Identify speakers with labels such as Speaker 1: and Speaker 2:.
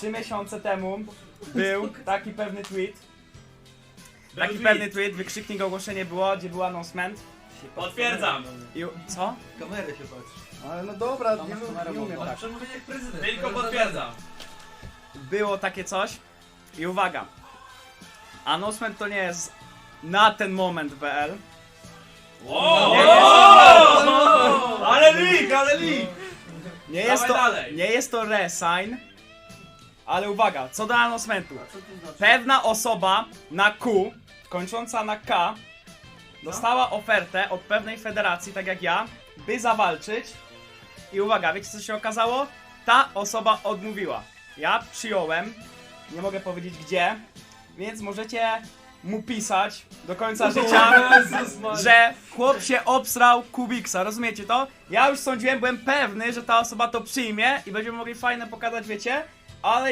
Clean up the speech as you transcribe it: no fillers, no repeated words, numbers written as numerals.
Speaker 1: 3 miesiące temu był taki pewny tweet. Taki pewny tweet, wykrzyknik ogłoszenie było, gdzie był announcement.
Speaker 2: Potwierdzam.
Speaker 1: I... Co?
Speaker 3: Kamerę się patrzy.
Speaker 1: Ale no dobra,
Speaker 4: Tam
Speaker 1: nie,
Speaker 4: masz kamerę
Speaker 1: nie umiem
Speaker 4: włączoną.
Speaker 1: tak.
Speaker 3: Przemówienie jak prezydent.
Speaker 2: Tylko potwierdzam.
Speaker 1: Było takie coś i uwaga. Announcement to nie jest na ten moment BL.
Speaker 2: O!
Speaker 1: Nie jest-
Speaker 2: Ale leak, ale leak!
Speaker 1: Nie jest,
Speaker 2: Dawaj dalej.
Speaker 1: nie jest to resign, ale uwaga, co do announcementu.
Speaker 3: Co to znaczy?
Speaker 1: Pewna osoba na Q, kończąca na K, dostała ofertę od pewnej federacji, tak jak ja, by zawalczyć. I uwaga, wiecie co się okazało? Ta osoba odmówiła. Ja przyjąłem, nie mogę powiedzieć gdzie, więc możecie mu pisać do końca życia, że chłop się obsrał Kubiksa, rozumiecie to? Ja już sądziłem, byłem pewny, że ta osoba to przyjmie i będziemy mogli fajne pokazać, wiecie? Ale